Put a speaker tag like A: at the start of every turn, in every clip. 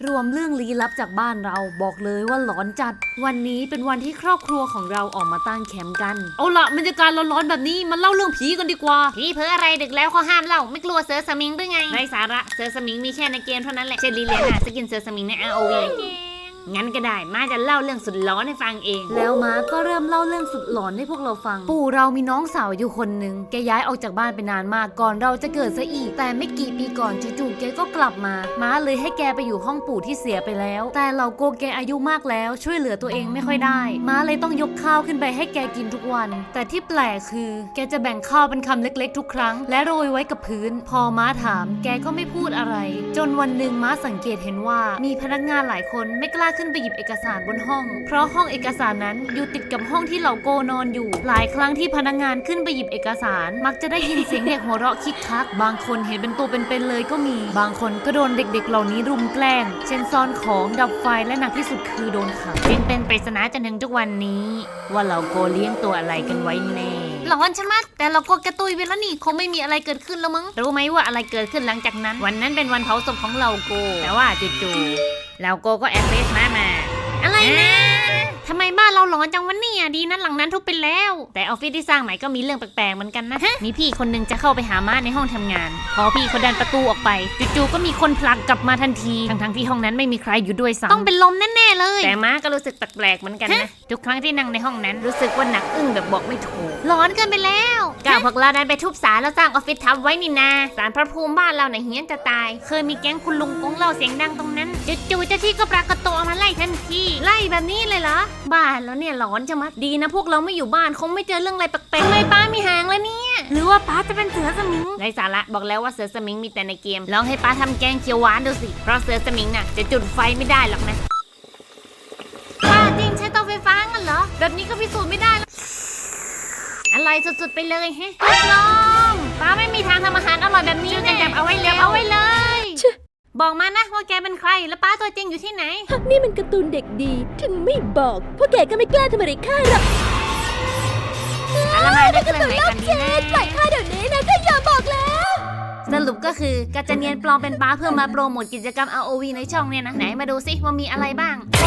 A: รวมเรื่องลี้ลับจากบ้านเราบอกเลยว่าหลอนจัดวันนี้เป็นวันที่ครอบครัวของเราออกมาตั้งแคมป์กันเอาละบรรยากาศร้อนๆแบบนี้มันเล่าเรื่องผีกันดีกว่า
B: ผีเพ้ออะไรดึกแล้วเขาห้ามเล่าไม่กลัวเสือสมิงหรือไงไร้สาระเสือสมิงมีแค่ในเกมเท่านั้นแหละเชลลีเลียนาสกินเสือสมิงใน ROV งั้นก็ได้มาจะเล่าเรื่องสุดร้อนให้ฟังเอง
A: แล้วม้าก็เริ่มเล่าเรื่องสุดหลอนให้พวกเราฟังปู่เรามีน้องสาวอยู่คนหนึ่งแกย้ายออกจากบ้านไปนานมากก่อนเราจะเกิดซะอีกแต่ไม่กี่ปีก่อนจู่ๆแกก็กลับมาม้าเลยให้แกไปอยู่ห้องปู่ที่เสียไปแล้วแต่เราโกแกอายุมากแล้วช่วยเหลือตัวเองไม่ค่อยได้ม้าเลยต้องยกข้าวขึ้นไปให้แกกินทุกวันแต่ที่แปลกคือแกจะแบ่งข้าวเป็นคำเล็กๆทุกครั้งและโรยไว้กับพื้นพอม้าถามแกก็ไม่พูดอะไรจนวันหนึ่งม้าสังเกตเห็นว่ามีพนักงานหลายคนไม่กล้าขึ้นไปหยิบเอกสารบนห้องเพราะห้องเอกสารนั้นอยู่ติดกับห้องที่เหล่าโกนอนอยู่หลายครั้งที่พนักงานขึ้นไปหยิบเอกสารมักจะได้ยินเสียงเด็กหัวเราะคิกคักบางคนเห็นเป็นตัวเป็นๆเลยก็มีบางคนก็โดนเด็กๆเหล่านี้รุมแกล้งเช่นซ่อนของดับไฟและหนักที่สุดคือโดนขัง
B: เป็นปริศนาจนถึงทุกวันนี้ว่าเหล่าโกเลี้ยงตัวอะไรกันไว้แน่
A: หลอนใช่ไหมแต่เราก็กระตุยไปแล้วนี่คงไม่มีอะไรเกิดขึ้นแล้วมั้ง
B: รู้ไหมว่าอะไรเกิดขึ้นหลังจากนั้นวันนั้นเป็นวันเผาศพของเหล่าโกแต่ว่าจู่ๆเหล่าโกก็แอบเฟซมา
A: อะไรนะ
B: ทำไมบ้านเราหลอนจังวะเนี่ยดีนะหลังนั้นทุบไปแล้วแต่ออฟฟิศที่สร้างใหม่ก็มีเรื่องแปลกๆเหมือนกันนะมีพี่คนนึงจะเข้าไปหาม้าในห้องทำงานพอพี่เขาดันประตูออกไปจู่ๆก็มีคนผลักกลับมาทันทีทั้งที่ห้องนั้นไม่มีใครอยู่ด้วยซ้ำ
A: ต้องเป็นลมแน่ๆเลย
B: แต่ม้าก็รู้สึกแปลกๆเหมือนกันนะทุกครั้งที่นั่งในห้องนั้นรู้สึกว่าหนักอึ้งแบบบอกไม่ถูก
A: หลอนเกินไปแล้ว
B: ก้าวพวกเราดันไปทุบศาลแล้วสร้างออฟฟิศทับไว้นี่นาศาลพระภูมิบ้านเราเนี่ยเฮี้ยนจะตายเคยมีแก๊งคุณลุงกงเล่าเสียงดังตรงนั้นจู่ๆเจ้าที่ก็ปรากฏตัวมาไล่ทันที
A: ไล่แบบนี้เลยเหรอ
B: บ้านแล้วเนี่ยหลอนจะมัดดีนะพวกเราไม่อยู่บ้านคงไม่เจอเรื่องอะไรแปลกๆ
A: ทำไมป้ามีหางแล้วเนี่ยหรือว่าป้าจะเป็นเสือสมิง
B: ไร้สาระบอกแล้วว่าเสือสมิงมีแต่ในเกมลองให้ป้าทำแกงเขียวหวานดูสิเพราะเสือสมิงน่ะจะจุดไฟไม่ได้หรอกนะ
A: ป้าจริงใช้เตาไฟฟ้างั้นเหรอแบบนี้ก็พิสูจน์ไม่ได้
B: อะไรสุดๆไปเลยฮะ
A: ลองป้าไม่มีทางทำอาหารอร่อยแบบนี้
B: แน่จับเอาไว้เลย
A: บอกมานะว่าแกเป็นใครแล้วป้าตัวจริงอยู่ที่ไหน
C: นี่มันการ์ตูนเด็กดีถึงไม่บอกพวกแกก็ไม่กล้าทำอะไรข้าหรอก
B: อะไรมาได้กันไหนกันดีนะ
C: ปล่อยข้าเดี๋ยวนี้นะข้าอย่าบอกแล้ว
A: สรุปก็คือการจะเนียนปลอมเป็นป้าเพื่อมาโปรโมทกิจกรรม ROV ในช่องเนี่ยนะไหนมาดูซิว่ามีอะไรบ้างโอ้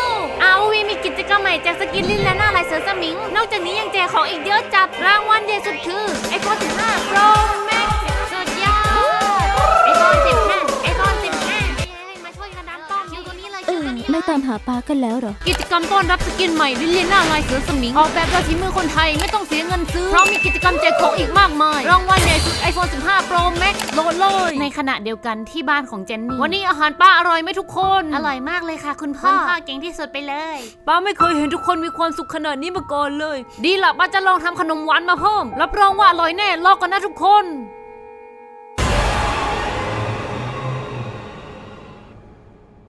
A: ROV มีกิจกรรมใหม่แจกสกินลิ้นและหน้าลายเสือสมิงนอกจากนี้ยังแจกของอีกเยอะจัดรางวัลใหญ่สุดคือ iPhone 15 Pro Max สุดยอด iPhone 15 iPhone 15มาช่วยกันดันต้อมอยู่ตรงนี้เลย
C: ไม่ตามหาปลากันแล้วเหรอ
A: กิจกรรมต้อนรับสกินใหม่ลิ้นและหน้าลายเสือสมิงออกแบบโดยฝีมือคนไทยไม่ต้องเสียเงินซื้อเพราะมีกิจกรรมแจกของอีกมากมายรางวัลใหญ่สุด iPhone 15 Pro Max โหลดเลยในขณะเดียวกันที่บ้านของเจนนี่วันนี้อาหารป้าอร่อยไหมทุกคน
B: อร่อยมากเลยค่ะคุณพ่อเก่งที่สุดไปเลย
A: ป้าไม่เคยเห็นทุกคนมีความสุขขนาดนี้มาก่อนเลยดีละป้าจะลองทำขนมหวานมาเพิ่มรับรองว่าอร่อยแน่รอกันนะทุกคน